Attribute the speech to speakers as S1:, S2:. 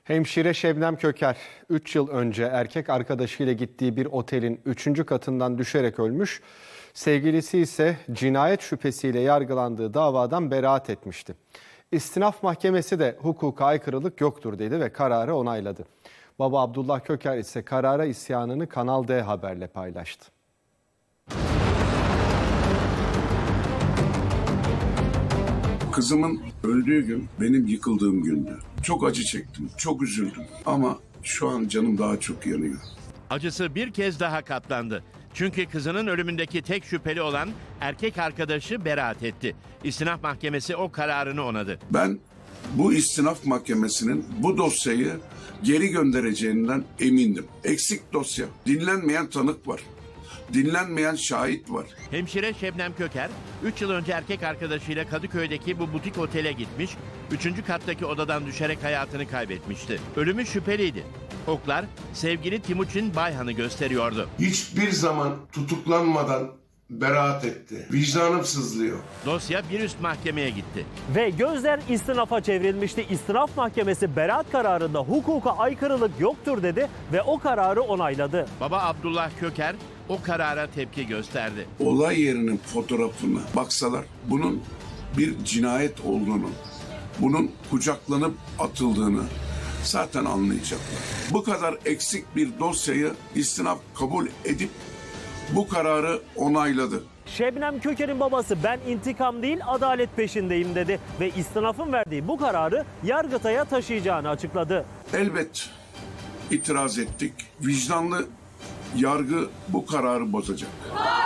S1: Hemşire Şebnem Köker 3 yıl önce erkek arkadaşıyla gittiği bir otelin 3. katından düşerek ölmüş. Sevgilisi ise cinayet şüphesiyle yargılandığı davadan beraat etmişti. İstinaf Mahkemesi de hukuka aykırılık yoktur dedi ve kararı onayladı. Baba Abdullah Köker ise karara isyanını Kanal D Haber'le paylaştı.
S2: Kızımın öldüğü gün benim yıkıldığım gündü. Çok acı çektim, çok üzüldüm ama şu an canım daha çok yanıyor.
S3: Acısı bir kez daha katlandı. Çünkü kızının ölümündeki tek şüpheli olan erkek arkadaşı beraat etti. İstinaf Mahkemesi o kararını onadı.
S2: Ben bu istinaf mahkemesinin bu dosyayı geri göndereceğinden emindim. Eksik dosya, dinlenmeyen tanık var. Dinlenmeyen şahit var.
S3: Hemşire Şebnem Köker 3 yıl önce erkek arkadaşıyla Kadıköy'deki bu butik otele gitmiş, 3. kattaki odadan düşerek hayatını kaybetmişti. Ölümü şüpheliydi. Oklar sevgili Timuçin Bayhan'ı gösteriyordu.
S4: Hiçbir zaman tutuklanmadan beraat etti. Vicdanım sızlıyor.
S3: Dosya bir üst mahkemeye gitti.
S5: Ve gözler istinafa çevrilmişti. İstinaf Mahkemesi beraat kararında hukuka aykırılık yoktur dedi ve o kararı onayladı.
S3: Baba Abdullah Köker o karara tepki gösterdi.
S2: Olay yerinin fotoğrafına baksalar bunun bir cinayet olduğunu, bunun kucaklanıp atıldığını zaten anlayacaklar. Bu kadar eksik bir dosyayı istinaf kabul edip bu kararı onayladı.
S5: Şebnem Köker'in babası ben intikam değil adalet peşindeyim dedi ve istinafın verdiği bu kararı Yargıtay'a taşıyacağını açıkladı.
S2: Elbet itiraz ettik. Vicdanlı yargı bu kararı bozacak.